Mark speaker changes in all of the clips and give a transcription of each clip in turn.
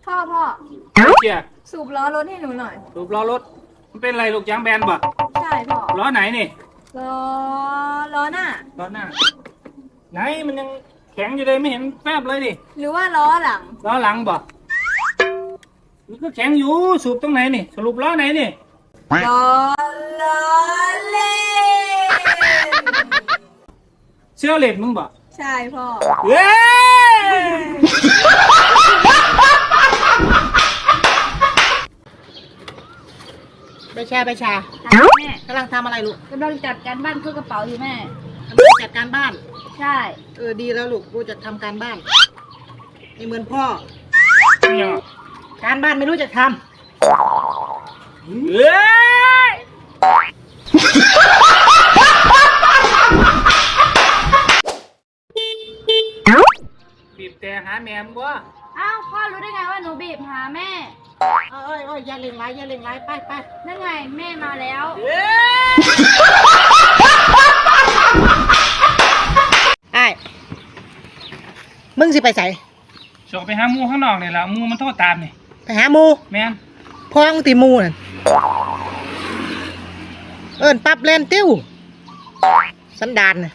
Speaker 1: พ่อ
Speaker 2: เชียร์
Speaker 1: สูบล้อรถให้หนูหน่อย
Speaker 2: รูปล้อรถมันเป็นอะไรลูกยางแบนป่ะ
Speaker 1: ใช่พ่อ
Speaker 2: ล้อไหนนี่
Speaker 1: ล้อหน้า
Speaker 2: ล้อหน้าไหนมันยังแข็งอยู่เลยไม่เห็นแฟบเลยดิ
Speaker 1: หรือว่าล้อหลัง
Speaker 2: ล้อหลังป่ะมันก็แข็งอยู่สูบตรงไหนนี่สรุปล้อไหนนี่
Speaker 1: ล้อเล่น
Speaker 2: เสื้อเหล็กมึงป่ะ
Speaker 1: ใช่พ่อ
Speaker 2: เย้
Speaker 3: ไปแชร์แม่กำลังทำอะไรลูก
Speaker 1: กำลังจัดการบ้านเครื่องกระเป๋าอยู่แม่
Speaker 3: กำลังจัดการบ้าน
Speaker 1: ใช่
Speaker 3: ดีแล้วลูกรู้จักทำการบ้านไม่เหมือนพ่อ
Speaker 2: เนี่ย
Speaker 3: การบ้านไม่รู้จักท
Speaker 2: เฮ้ยบีบแต่หาแม่มึงวะ
Speaker 1: อ้าวพ่อรู้ได้ไงว่าหนูบีบหาแม่
Speaker 3: เอ้ยอย่าเล่งไรไป
Speaker 1: นั่นไงแม่มาแล้ว
Speaker 3: ไอ้มึงสิไปใส่
Speaker 2: ชอบไปหาหมูข้างนอกเนี่ยละหมูมันโทษตามนี่
Speaker 3: ไปหาหมู
Speaker 2: แม่น
Speaker 3: พ้องตีหมูนั่นปรับเลนติ้วสันดานน่ะ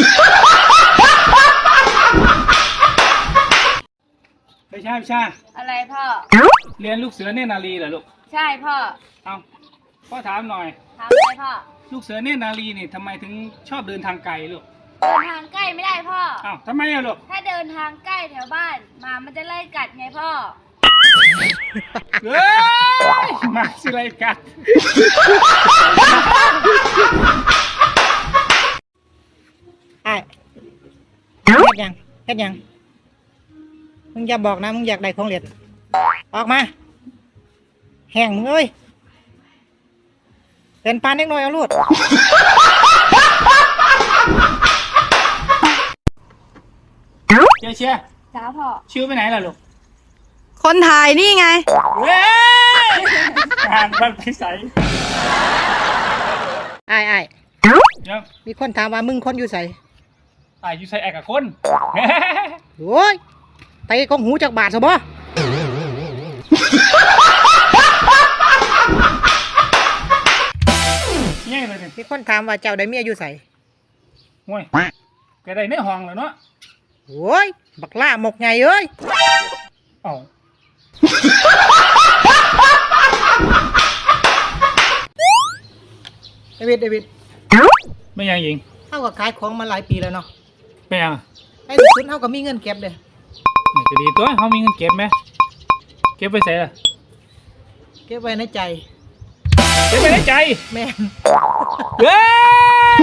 Speaker 2: ไม่ใช่
Speaker 1: อะไรพ่อ
Speaker 2: เรียนลูกเสือเนตรนารีเหรอลูก
Speaker 1: ใช่พ่อ
Speaker 2: เอาพ่อถามหน่อย
Speaker 1: ถามอะไรพ่อ
Speaker 2: ลูกเสือเนตรนารีนี่ทำไมถึงชอบเดินทางไกลลูก
Speaker 1: เดินทางใกล้ไม่ได้พ่อ
Speaker 2: อ้าวทำไมอะลูก
Speaker 1: ถ้าเดินทางใกล้แถวบ้านหมามันจะไล่กัดไงพ่อ
Speaker 2: เฮ้ยมาสิไรกัด
Speaker 3: ไอ้เฮ็ดยังมึงอย่าบอกนะมึงอยากได้ของเล่นออกมาแห้งมึงเอ้ยเป็นปานเล็กน้อยเอาลูด
Speaker 2: เชียร์
Speaker 1: จ้าพ่อ
Speaker 2: ชิวไปไหนล่ะลูก
Speaker 1: คนถ่ายนี่ไง
Speaker 2: เว้ยห่างมันไปใส่
Speaker 3: ไอ้
Speaker 2: เดี๋ยว
Speaker 3: มีคนถามว่ามึงคนอยู่ใส่
Speaker 2: อยู่ใส่แอกกับคน
Speaker 3: โอ้ยไปกองหูจากบาทซะบ่
Speaker 2: เนี่ยเลยนี่
Speaker 3: มีคนถามว่าเจ้าได้เมียอยู่ใส่
Speaker 2: โว้ยแกได้ในห้องแล้วเนาะ
Speaker 3: โอ้ยบักล่าหมกไงเอ้ย
Speaker 2: เอา
Speaker 3: เดวิด
Speaker 2: ไม่ยังยิง
Speaker 3: เท่ากับขายของมาหลายปีแล้วเนาะ
Speaker 2: ไม่ยัง
Speaker 3: ไอ้ที่สุดเท่ากับมีเงินเก็บเลย
Speaker 2: จะดีตัวเขามีเงินเก็บไหมเก็บไปใส่ละ
Speaker 3: เก็บไว้ในใจ
Speaker 2: เก็บไปในใจ
Speaker 3: แม่
Speaker 2: เฮ้ย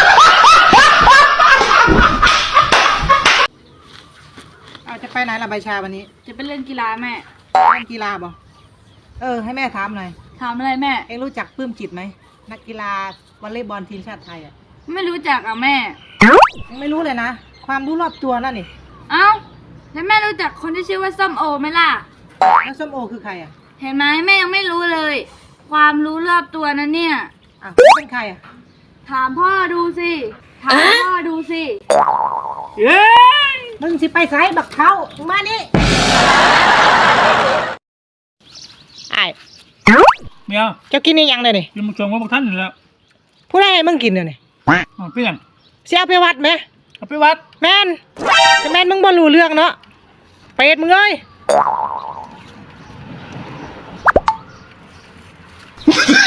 Speaker 3: จะไปไหนล่ะใบชาวันนี้
Speaker 1: จะไปเล่นกีฬาแม่
Speaker 3: เล่นกีฬาบ่ให้แม่ถามหน่อย
Speaker 1: ถามอะไรแม่
Speaker 3: เอ็งรู้จักปลื้มจิตไหมนักกีฬาวอลเลย์บอลทีมชาติไทยอ่ะ
Speaker 1: ไม่รู้จักอ่ะแม่
Speaker 3: ไม่รู้เลยนะความรู้รอบตัวนั่นนี่
Speaker 1: เอ้าแล้วแม่รู้จักคนที่ชื่อว่าส้มโอไหมล่ะ
Speaker 3: แล้วส้มโอคือใครอ่ะ
Speaker 1: เห็นไหมแม่ยังไม่รู้เลย ความรู้รอบตัวนั้นเนี่ย
Speaker 3: เป็นใครอ่ะ
Speaker 1: ถามพ่อดูสิ
Speaker 2: เย้
Speaker 3: มึงสิไปไสบักเขามานี่ไอ้
Speaker 2: เมีย
Speaker 3: เจ้ากินนี่ยังเลยนี่
Speaker 2: กินมึงชมว่าพวกท่านอยู่แล้ว
Speaker 3: ผู้ใดให้มึงกินเนี่ยนี่
Speaker 2: เปลี่ยน
Speaker 3: เสียไปวัดไหม
Speaker 2: เอาไปวัด
Speaker 3: แม่นมึงบ่รู้เรื่องเนาะเป็ดมึงเอ้ย